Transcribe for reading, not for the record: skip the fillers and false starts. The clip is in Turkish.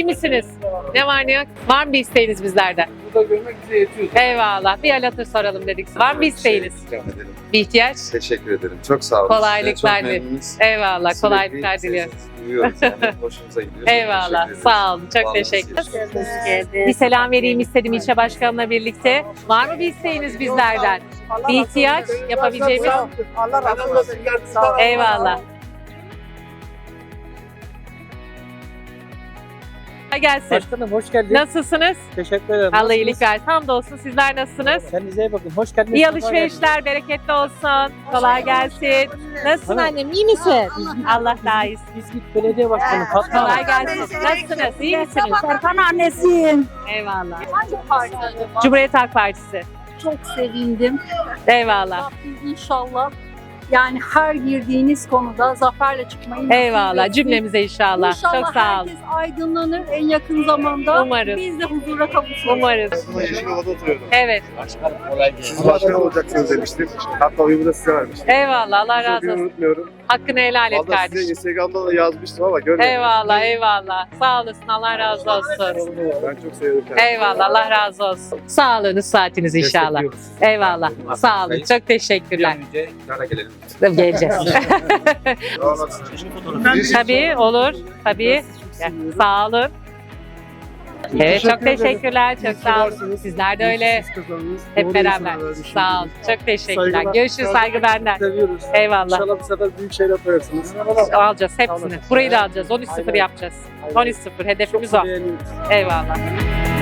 İyi misiniz? Ne var ne yok? Var mı bir isteğiniz bizlerden? Burada görmek bize yetiyor. Eyvallah. Bir hal hatır soralım dedik. Var mı bir isteğiniz? Rica ederim. Bir ihtiyaç? Teşekkür ederim. Çok sağ olun. Kolaylıklar Çok dilerim. memnunuz. Eyvallah. Sürekli Kolaylıklar diliyorum. sesinizi duyuyoruz yani. Hoşumuza gidiyor. Eyvallah. Teşekkür ederiz. Sağ olun. Çok Vallahi teşekkür size Bir selam vereyim istedim ilçe başkanımla birlikte. Var mı bir isteğiniz bizlerden? Bir ihtiyaç yapabileceğimiz? Allah razı olsun. Eyvallah. Kolay gelsin. Başkanım hoş geldiniz. Nasılsınız? Teşekkür ederim. Allah iyilik versin. Hamdolsun. Sizler nasılsınız? Kendinize iyi bakın. Hoş geldiniz. İyi sefa geldiniz. alışverişler, bereketli olsun. Kolay gelsin. Nasılsın Hanım. annem? İyi misin? Allah daha iyisin. İzmit Belediye Başkanı Fatma Kolay Hanım. gelsin. Nasılsınız? İyi misiniz? Serkan annesiyim. Eyvallah. Hangi parti? Cumhuriyet Halk Partisi. Çok sevindim. Eyvallah. Rabbim inşallah yani her girdiğiniz konuda zaferle çıkmayı nasip Eyvallah. etsin. Cümlemize inşallah. İnşallah Çok sağ olun. herkes aydınlanır en yakın zamanda. Umarız. Biz de huzura kavuşuruz. Umarız. Yeşilova'da oturuyordum. Evet. Siz başkan olacaksınız demiştim. Hatta oyumu da size vermiştim. Eyvallah. Allah razı Bugün olsun. unutmuyorum. Hakkını helal et Valla size kardeşim. Instagram'da da yazmıştım ama görmedim. Eyvallah. Eyvallah. Sağ olasın. Allah razı olsun. Ben çok seviyorum kendimi. Eyvallah. Allah razı olsun. Sağlığınız, saatiniz inşallah. Eyvallah. Sağ olun. Çok teşekkürler. önce iktidara gelelim. Geleceğiz. Tabii olur. Tabii. Sağ olun. Evet çok teşekkürler. Çok sağ olun. Sizler de öyle. Hep beraber. Sağ olun. Çok teşekkürler. Saygılar. Görüşürüz. Saygı benden. Seviyoruz. Eyvallah. İnşallah bu sefer büyük şeyler koyarsınız. Alacağız hepsini. Burayı da alacağız. 13-0 yapacağız. 13-0. Hedefimiz o. Beğeniyoruz. Eyvallah.